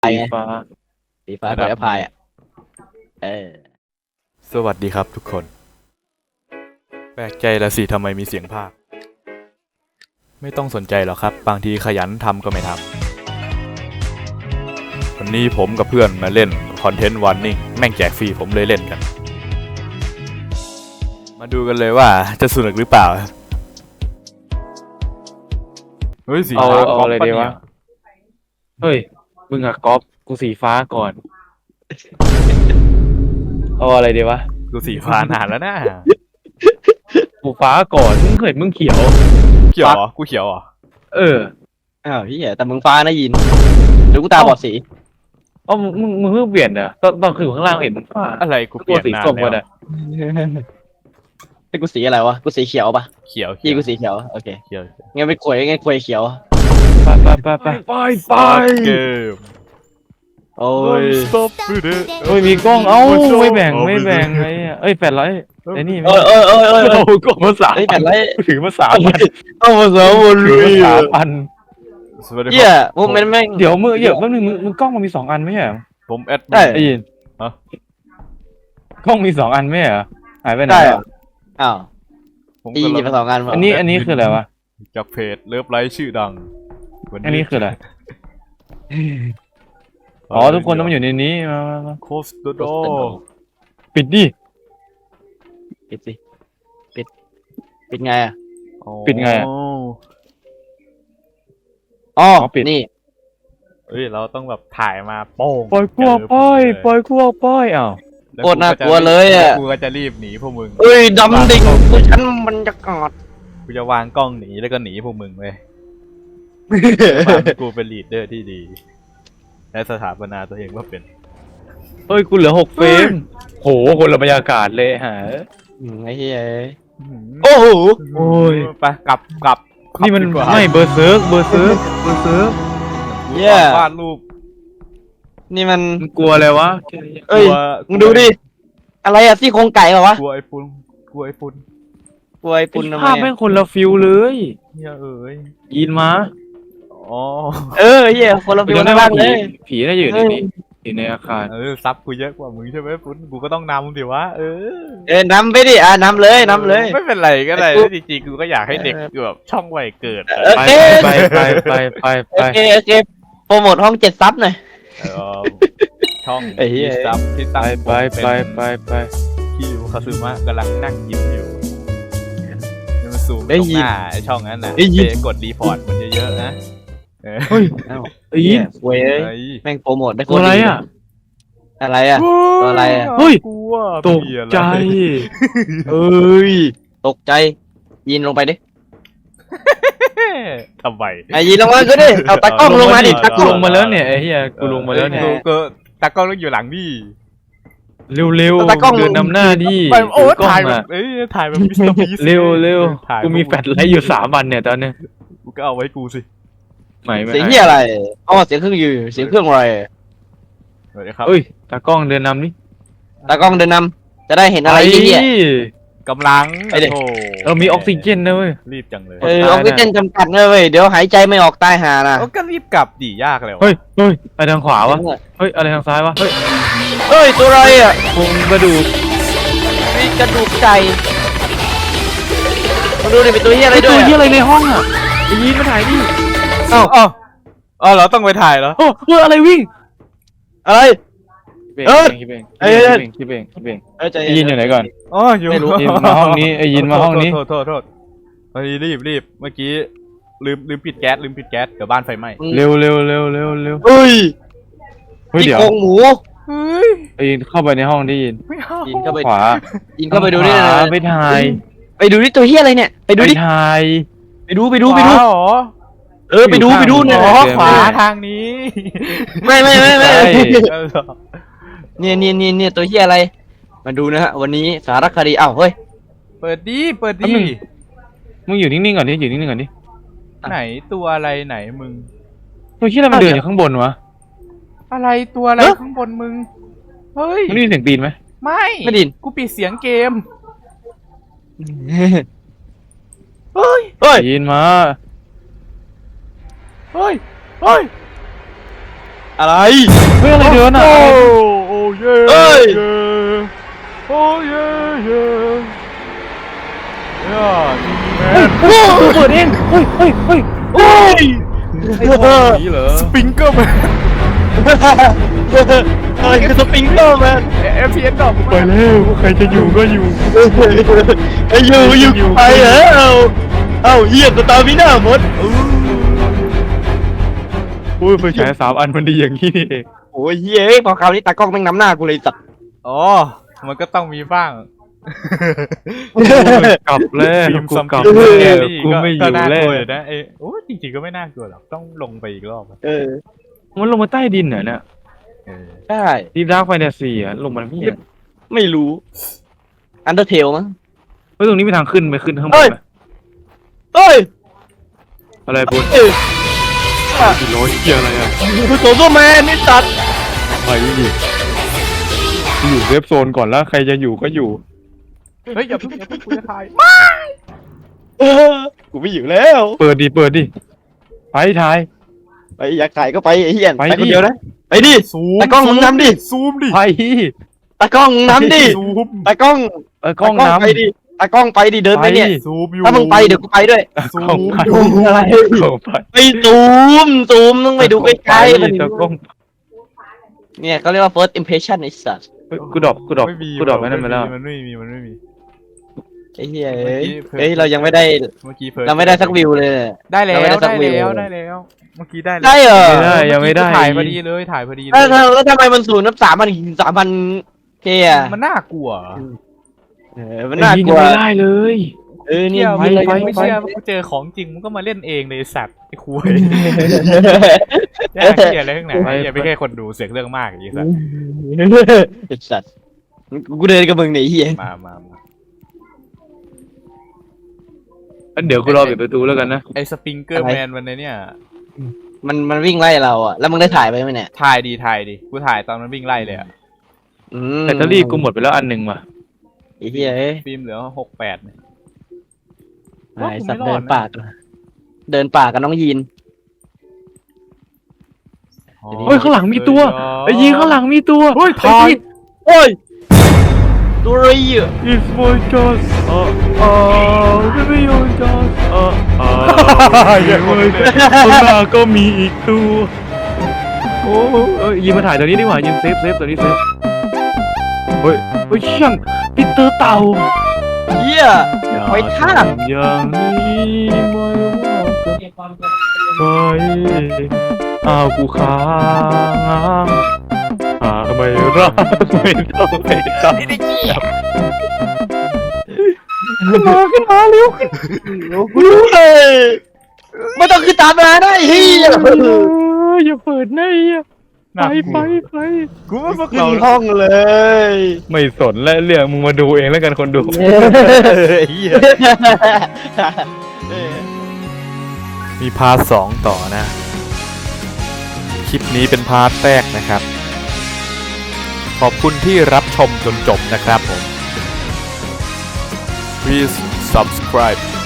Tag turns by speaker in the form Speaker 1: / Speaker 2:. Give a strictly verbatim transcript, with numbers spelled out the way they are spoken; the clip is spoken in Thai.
Speaker 1: สีฟ้า
Speaker 2: สีฟ้ากับแอปพลายอ่ะเออ
Speaker 3: สวัสดีครับทุกคน แปลกใจละสิทำไมมีเสียงภาค ไม่ต้องสนใจหรอกครับ บางทีขยันทำก็ไม่ทำวันนี้ผมกับเพื่อนมาเล่นคอนเทนต์วันนิ่งแม่งแจกฟรีผมเลยเล่นกัน มาดูกันเลยว่าจะสนุกหรือเปล่าเฮ้ยสี
Speaker 1: เอา
Speaker 3: ฟ้า
Speaker 1: เอา
Speaker 3: ก๊อป
Speaker 1: อะไร
Speaker 3: ปะ
Speaker 1: ดี
Speaker 3: เนี่
Speaker 1: วะ
Speaker 3: ย
Speaker 1: เฮ้ยมึงอะก๊อฟกูสีฟ้าก่อนเอาอะไรดีวะ
Speaker 3: กูสีฟ้านานแล้วนะ
Speaker 1: กูฟ้าก่อนมึงเคยมึงเขียว
Speaker 3: เขียวเหรอกูเขียวเหรอ
Speaker 1: เออ
Speaker 2: อ้าวพี่แต่มึงฟ้านะยินหรือกูตาบอดสี
Speaker 1: เอ้ามึงมึงมึงเพิ่งเปลี่ยนเหรอตอนตอนคืออยู่ข้างล่างเห็นมึงฟ้า
Speaker 3: อะไรกูเป
Speaker 1: ตั
Speaker 3: ลี่
Speaker 1: วย
Speaker 3: น
Speaker 1: สี
Speaker 3: นาน
Speaker 1: ส้มกัน
Speaker 3: แล้
Speaker 1: อะ
Speaker 3: ว
Speaker 2: ไอ้กูสีอะไรวะกูสีเขียวปะ
Speaker 3: เขียว
Speaker 2: ยี่กูสีเขียวโอเค
Speaker 3: เขียว
Speaker 2: งั้นไปขวยงั้นขวยเขียว
Speaker 1: ไปไปไปไปไปไป
Speaker 3: เกม
Speaker 2: โอ้ย
Speaker 3: Stop it
Speaker 1: เฮ้ยมีกล้องเอ้าไม่แบ่งไม่แบ่งไอ้เอ้ยแปดร้อยไอ้นี่
Speaker 2: เอ้ยเอ้ยเอ้ยเอ้ย
Speaker 1: โอ้กล้องภาษา
Speaker 2: ไอ้แผ่นไร
Speaker 1: ถือภาษาพัน
Speaker 2: เอาภาษาบน
Speaker 1: ถือภาษาพัน
Speaker 3: สวัสดีค
Speaker 2: เหี้ย
Speaker 3: รับ
Speaker 2: พวกมันแม่ง
Speaker 1: เดี๋ยวมือเดี๋ยวแป๊บนึงมึงมึงกล้องมันมีสองอันไม่ใช่เหรอ
Speaker 3: ผมแอดมิ
Speaker 2: ได้
Speaker 3: น
Speaker 1: ไอ้ยิน
Speaker 3: ฮะ
Speaker 1: กล้องมีสองอันไม่ใช่เหรอหายไปไหน
Speaker 2: ได้
Speaker 1: อะ
Speaker 2: อ้าว
Speaker 3: ผม
Speaker 2: ตี
Speaker 3: กำ
Speaker 2: หยิบ
Speaker 3: ลั
Speaker 2: มาง สองงานมา
Speaker 1: อันนี้อันนี้คืออะไรวะ
Speaker 3: จากเพจเลิฟไลท์ชื่อดังวั
Speaker 1: อันนี้คืออะไร อ๋อทุกคนต้องมาอยู่ในนี้มามามา
Speaker 3: โคสโดโด
Speaker 1: ปิดดิ
Speaker 2: ปิดสิปิดปิดไงอ่ะ
Speaker 1: ปิดไงอะ
Speaker 2: อ๋อ
Speaker 1: อ๋อปิด
Speaker 2: นี่
Speaker 3: เอ้ยเราต้องแบบถ่ายมาโป้ง
Speaker 1: ปล่อยกลัวป้อยปล่อยกลัวป้อยอ้าว
Speaker 3: แว
Speaker 2: โคตรน่ากลัวเลยอะ
Speaker 3: กูก็จะรีบหนีพวกมึง
Speaker 2: เอ้ยดำดิ่งกูฉันมันจะกอด
Speaker 3: กูจะวางกล้องหนีแล้วก็หนีพวกมึงเว้ยวางกูเป็นลีดเดอร์ที่ดี และสถาปนาตัวเองว่าเป็น
Speaker 1: เฮ้ยกูเหลือหกเฟรมโหคนละบรรยากาศเลยฮะ
Speaker 2: อืมไอ้เหี้ยโอ้โห
Speaker 1: โอ้ย
Speaker 3: ไปกลับกลับ
Speaker 1: นี่มัน
Speaker 3: ดีกว่า
Speaker 1: ไม่เบอร์เซิร์กเบอร์เซิร์กเบอร์เซิร์ก
Speaker 2: เหี้ย
Speaker 3: วาดรูป
Speaker 2: นี่มัน
Speaker 1: มึงกลัวอะไรวะ
Speaker 2: เอ้ย
Speaker 3: กลัว
Speaker 2: มึงดูดิ อะไรอะซี่โครงไก่เหรอวะ
Speaker 3: กลัวไอ้ปุ่นกลัวไอ้ปุ่น
Speaker 2: กลัวไอ้ปุ่นทำไม
Speaker 1: ภาพแม่
Speaker 2: อะ
Speaker 1: งคนละฟิลเลย
Speaker 3: เนี่ยเอ้ย
Speaker 1: ยินมา
Speaker 3: อ๋อ
Speaker 2: เออเหี้ยคนละฟิว
Speaker 1: จำได้
Speaker 2: น่า
Speaker 1: ว่า
Speaker 2: รักเล
Speaker 1: ผี
Speaker 2: ย
Speaker 1: ผีน่าจะอยู่ในนี้อยู่ในอาคาร
Speaker 3: เออซับกูเยอะกว่ามึงใช่ไหมปุ่นกูก็ต้องนำดิวะเออ
Speaker 2: เออนำไปดิอ่ะนำเลยนำเลย
Speaker 3: ไม่เป็นไรก็ได้
Speaker 2: ไอ้ปุ๊บ
Speaker 3: จริงๆกูก็อยากให้เด็กแบบช่องวัยเกิด
Speaker 2: โอ
Speaker 1: ไป
Speaker 2: เค
Speaker 1: ไปไปไปไปไป
Speaker 2: โอเคโอเคโปรโมทห้องเจ็ดซับหน่อย
Speaker 3: เออช่อง
Speaker 2: ไอ้เหี้ย
Speaker 3: ที่ซับที่
Speaker 1: ไป
Speaker 3: ตั้ง
Speaker 1: ไปไปไปไป
Speaker 3: คิวคาซึมะกำลังนั่งยิ้มอยู่นี่มันซูม
Speaker 2: ได้
Speaker 3: ตรง
Speaker 2: ยิ
Speaker 3: ห
Speaker 2: น
Speaker 3: น้าไอ้ช่องนั้นน่ะ
Speaker 2: ได้ยิน
Speaker 3: เปกดรีพอร์ตมันเยอะๆนะเออ
Speaker 1: เฮ้ย
Speaker 2: อ้าว
Speaker 1: ไอ้ยิน
Speaker 2: เว้ย
Speaker 3: เฮ้ย
Speaker 2: แม่งโปรโมทได้โค
Speaker 1: ตัว
Speaker 2: ตร
Speaker 1: อะไร
Speaker 2: ดี
Speaker 1: อ่ะ
Speaker 2: อะไรอ่ะ ตัวอะไรอะ
Speaker 1: เฮ้ย
Speaker 3: กลัว
Speaker 1: ตก
Speaker 3: มีอะไร
Speaker 1: ใจ
Speaker 2: เอ้ยตกใจยินลงไปดิ
Speaker 3: ทำไม
Speaker 2: ไอ้ยินลงมาก็ดิเอาตากล้องลงมาดิตากล้
Speaker 1: กู
Speaker 2: อง
Speaker 1: ลงมาแล้วเนี่ยไอ้เหี้ยกูลงมาแล้วเนี่ย
Speaker 3: กูก็ตากล้องต้องอยู่หลังดิ
Speaker 1: เร็วๆ
Speaker 2: ตากล้อง
Speaker 1: เดินนำหน้าดิ
Speaker 3: ไปโอ้
Speaker 1: ถืกล้อง
Speaker 3: ถ่ายแบ
Speaker 1: อะ
Speaker 3: บเอ้ยถ่ายแบบมิสเตอร์บีส
Speaker 1: เร็วเร็ว
Speaker 3: ถ่าย
Speaker 1: กูมีแฟลชไลท์อยู่สามวันเนี่ยตอนเนี้ย
Speaker 3: กูก็เอาไว้กูสิ
Speaker 1: ไม่ไม่
Speaker 2: เสียงที่อะไรอ๋อเสียงเครื่องอยู่เสียงเครื่องอะไร
Speaker 3: สวัสดีครับ
Speaker 1: เอ้ยตากล้องเดินนำนี่
Speaker 2: ตากล้องเดินนำจะได้เห็นอะไรเหี้ย
Speaker 3: กำลัง
Speaker 2: ไปดิ
Speaker 3: โอ้
Speaker 1: เออมีออกซิเจนนะเว้ย
Speaker 3: รีบจังเลย
Speaker 2: เออออกซิเจนจำกัดนะเว้ยเดี๋ยวหายใจไม่ออกตายหานะ
Speaker 3: โอ้ก็รีบกลับดิยากเลยวะ
Speaker 1: เฮ้ยเฮ้ยอะไรทางขวาวะเฮ้ยอะไรทางซ้ายวะเฮ้ย
Speaker 2: เฮ้ยตัวอะไรอ่ะ
Speaker 1: โครงกระดูก
Speaker 2: มีกระดูกไก่มาดูดิเป็นตัวเหี้ยอะไร
Speaker 1: ไอ้
Speaker 2: ด้
Speaker 1: ตัว
Speaker 2: วย
Speaker 1: เหี้ย
Speaker 2: อะ
Speaker 1: อะไรในห้องอ่ะไอ้ยีนมาถ่ายดิ
Speaker 3: เอ้าเอ้าเอ้าเหราต้องไปถ่ายเหรอ
Speaker 1: โอ้เฮ้ยอะไรวิ่ง
Speaker 2: อะไร เออ
Speaker 1: คิดเอง
Speaker 2: เอ้ย
Speaker 1: คิดเองคิดเองคิดเอง
Speaker 2: เออใจ
Speaker 1: ไอ้ยีนอยู่ไหนก่อน
Speaker 3: อ๋ออยู่
Speaker 2: ไม่รู้
Speaker 1: ยีนมาห้องนี้ไอ้ยีนมาห้องนี้
Speaker 3: โทษโทษโทษเฮ้ยรีบรีบเมื่อกี้ลืมลืมปิดแก๊สลืมปิดแก๊สเดี๋ยวบ้านไฟไหม้
Speaker 1: เร็วเร็วเร็วเร็วเร็ว
Speaker 2: เฮ้ย
Speaker 1: เฮ้ย
Speaker 2: ที่
Speaker 1: เดี๋ยว
Speaker 2: โครงหมู
Speaker 3: เฮ้ย
Speaker 1: ไอ้ยีนเข้าไปในห้องได้ยิน
Speaker 3: ไม่เอา
Speaker 2: ยินเข้าไป
Speaker 1: ขวา
Speaker 2: ยินเข้าไปดูดิ
Speaker 1: ข
Speaker 2: นะ
Speaker 1: วาไปถ่าย
Speaker 2: ไปดูดิตัวเหี้ยอะไรเนี่ยไปดูดิ
Speaker 1: ไปถ่าย
Speaker 2: ไปดูไปดูไปดู
Speaker 3: ขวาเหรอ
Speaker 2: เออไปดูไปดูเนี่ย
Speaker 3: อ๋อ
Speaker 1: เดี๋ยว
Speaker 3: ขวาทางนี้
Speaker 2: ไม่ไม่ไม่ไม่
Speaker 1: ใช่
Speaker 3: เออ
Speaker 2: เนี่ยเนี่ยเนี่ยเนี่ยตัวเหี้ยอะไร มาดูนะฮะวันนี้สารคดีอ้าวเฮ้ย
Speaker 3: เปิดดีเปิด
Speaker 1: แป๊บ
Speaker 3: ดี
Speaker 1: นึง มึงอยู่นิ่งๆก่อนดิอยู่นิ่งๆก่อนดิ
Speaker 3: ไหนตัวอะไรไหนมึง
Speaker 1: ตัวที่อะไรมันเดินอยู่ข้างบนวะ
Speaker 3: อะไรตัวอะไรข้างบนมึงเฮ้ย
Speaker 1: มันได้ยินเสียงตีนไหม
Speaker 3: ไม่
Speaker 2: ไม่ไดิน
Speaker 3: กูปิดเสียงเกม
Speaker 2: เฮ้ย
Speaker 3: เฮ้ย
Speaker 2: เฮ้ย
Speaker 1: ได้ยินมา
Speaker 3: เฮ้ยเฮ้ย
Speaker 2: อะไร
Speaker 1: เฮ้ยอะไรเดือนอ่ะ
Speaker 3: โอ้โอ้เย่
Speaker 2: เอ้ย
Speaker 3: โอ้เย่เย่ย่าทีแมน
Speaker 1: โอ้เปิดเองเฮ้ยเฮ้ยเฮ้ย
Speaker 2: โอ้ย
Speaker 1: ไอ้พวกนี้เหรอ
Speaker 3: สปริงเกอร์แมน
Speaker 2: อะไรคือสปริงเกอร์แมน
Speaker 3: เอฟพีเอสดอก
Speaker 1: ไปแล้วใครจะอยู่ก็อยู่
Speaker 2: ไอ้อยู่อยู่ไปเหรอเอาเอาเหี้ยสตาร์มิน่าหมด
Speaker 1: อุ้ยไฟฉายสามอันมันดีอย่างนี้นี่เอง
Speaker 2: โอ้ยเหี้ยพอคราวนี้ตากล้องแม่งนำหน้ากูเลยสัตว์
Speaker 3: อ๋อมันก็ต้องมีบ้าง
Speaker 1: กลับแล้ว
Speaker 3: ฟิล์ม
Speaker 1: กู
Speaker 3: ซัม
Speaker 1: กลับ
Speaker 3: ติง
Speaker 1: แล้ว
Speaker 3: นี่
Speaker 1: กูไม่อ
Speaker 3: ก็
Speaker 1: ยู่
Speaker 3: น่า
Speaker 1: แล้
Speaker 3: ก
Speaker 1: ว
Speaker 3: ลัวอยู่นะเอ้โอ้จริงๆก็ไม่น่ากลัวหรอกต้องลงไปอีกรอบอะ
Speaker 2: เออ
Speaker 1: มันลงมาใต้ดินเหรอเนี่ย
Speaker 3: เออ
Speaker 2: ใช่
Speaker 1: ดีดาร์กไฟแนนซีอ่ะลงมาพี่อ่ะ
Speaker 2: ไม่รู้อันเดอร์เทลมั้ง
Speaker 1: เฮ้ยตรงนี้มีทางขึ้นไปขึ้นข้างบ
Speaker 2: เฮ้
Speaker 1: น
Speaker 2: ย
Speaker 1: ไหม
Speaker 2: เฮ้ย
Speaker 1: อะไรบน
Speaker 2: เอ้ย
Speaker 1: อีโรยเกียอะไรอ่ะ
Speaker 2: คือโซโซแมนนี่สัตว์
Speaker 1: ไปดิอยู่เซฟโซนก่อนแล้วใครจะอยู่ก็อยู่
Speaker 3: เฮ้ยอย่าเพิ่งอย่าเพิ่งกูจะถ่าย
Speaker 2: เออกูไม่อยู่แล้ว
Speaker 1: เปิดดิเปิดดิไปถ่าย
Speaker 2: ไปอยากขายก็ไปไอ้เหี้ย
Speaker 1: ไป
Speaker 2: ไป
Speaker 1: ดิ
Speaker 2: คนเดียวนะไปดิ
Speaker 3: ซูม
Speaker 2: ตากล้องมึงนำดิ
Speaker 3: ซูมดิ
Speaker 1: ไป
Speaker 2: ตากล้องมึงนำดิ
Speaker 3: ซูม
Speaker 2: ตากล้อง
Speaker 1: เออกล้อง
Speaker 2: ตาก
Speaker 1: น้ำ
Speaker 2: ไปดิตากล้องไปดิเดินไปเนี่ย
Speaker 3: ซูมอยู่
Speaker 2: ถ้ามึงไปเดี๋ยวกูไปด้วย
Speaker 3: ซู
Speaker 1: กล้อง
Speaker 3: ม
Speaker 1: ไป
Speaker 3: อยู่
Speaker 2: อะไร
Speaker 1: กล้องไป
Speaker 2: ไปซูมซูมต้องไปดูใกล้ๆมัน
Speaker 1: ตะกล้อง
Speaker 2: เนี่ยเขาเรียกว่า first impression ไอ้สัส
Speaker 1: เฮ้ยกูดรอปกูดรอป
Speaker 3: ไม่มี
Speaker 1: กูดรอปไว้นั่นไปแล้ว
Speaker 3: มันไม่มีมันไม่มี
Speaker 2: ไอ้เหี้ย
Speaker 3: เมื่
Speaker 2: เอ้
Speaker 3: อย กี้เพิ่ม
Speaker 2: เฮ้ยเรายังไม่ได้
Speaker 3: เมื่อกี้เพิ่ม
Speaker 2: เราไม่ได้สักวิวเลยเนี่ย
Speaker 3: ได้แล้ว
Speaker 2: เราไม่ได้สั
Speaker 3: ได้
Speaker 2: กวิว
Speaker 3: แล้วได้แล้วเมื่อกี้ได้แล้ว
Speaker 2: ได้เหรอ
Speaker 1: ไม่ได้ยังไม่ได้
Speaker 3: ถ่ายพอดีเลยถ่ายพอดีเล
Speaker 2: แล้ว
Speaker 3: ย
Speaker 2: แล้วแล้วทำไมมันศูนย์นับสามพันสามพันเคอะ
Speaker 3: มันน่ากลัว
Speaker 2: เออมันน่ากลัว
Speaker 1: ไม่ได้เลย
Speaker 2: เออเนี่ย
Speaker 3: เที่ยว
Speaker 2: ยิง
Speaker 3: ไม่
Speaker 2: เลย
Speaker 3: ไม่
Speaker 2: ยังไม่
Speaker 3: เชื่อ
Speaker 2: ไป
Speaker 3: ว่ากูเจอของจริงมึงก็มาเล่นเองเลยไอ้สัตว์ไอ้คุยแย่เกลียดอะไรทั้งไหนอย่าไปแค่คนดูเสียงเรื่องมากอย่างนี้สัตว์
Speaker 2: ไอ้สัสกูเดินกับมึงเนี่ยไอ้เหี้ย
Speaker 3: มามามา
Speaker 1: งั้นเดี๋ยวกูรอปิดประตูแล้วกันนะ
Speaker 3: ไอ้สปริงเกอร์แมนวันนี้เนี่ย
Speaker 2: มันมันวิ่งไล่เราอะแล้วมึงได้ถ่ายไปไหมเนี่ย
Speaker 3: ถ่ายดีถ่ายดีกูถ่ายตอนมันวิ่งไล่เลยอะ
Speaker 2: อืม
Speaker 1: แบตเตอรี่กูหมดไปแล้วอันหนึ่งว่ะ
Speaker 2: ไอ้เหี้ยเอ้ย
Speaker 3: ฟิล์มเหลือหกแปดเนี่ย
Speaker 2: ไอ้สัตว์
Speaker 3: ว่ากูไม่รอ
Speaker 2: เดิ
Speaker 3: ด
Speaker 2: น
Speaker 3: นะ
Speaker 2: ป่าเดินป่ากับน้องยีน
Speaker 1: เฮ้ยข้างหลังมีตัวไอ้ยีข้างหลังมีตัว
Speaker 3: เฮ้ย
Speaker 1: ไอ้
Speaker 3: ถ่าย
Speaker 1: ยี
Speaker 2: โอ้ยตัวอะไรอ่ะ
Speaker 1: It's my just อ่าอ่าไม่ไม่ยอม just อ่าอ่าข้างหน้าก็มีอีกตัวโอ้เอ้ยยีมาถ่ายตัวนี้ดีกว่ายีเซฟเซฟตัวนี้เซฟเฮ้ยเฮ้ยช่างปีเตอร์เต่า
Speaker 2: เหี้ย ไปท่า
Speaker 1: อย่างนี้ไม่ว่าจะไปอ้าวกูค้างหาไม่รักไม่ต้องไปทำมาขึ้นมาเร็วขึ้น
Speaker 2: เฮ้ยไม่ต้องขึ้นตามมาได้เฮีย
Speaker 1: อย่าเปิดนะไอ้เหี้ยไป
Speaker 3: น่าก
Speaker 1: ไป
Speaker 3: ลัว
Speaker 1: ไป
Speaker 3: กูว่าพวก
Speaker 2: ขึ้
Speaker 3: เรา
Speaker 2: นห้องเลย
Speaker 1: ไม่สนและเรื่องมึงมาดูเองแล้วกันคนดู
Speaker 3: เฮีย
Speaker 4: มีพาร์ทสองต่อนะ คลิปนี้เป็นพาร์ทแรกนะครับ ขอบคุณที่รับชมจนจบนะครับผม Please subscribe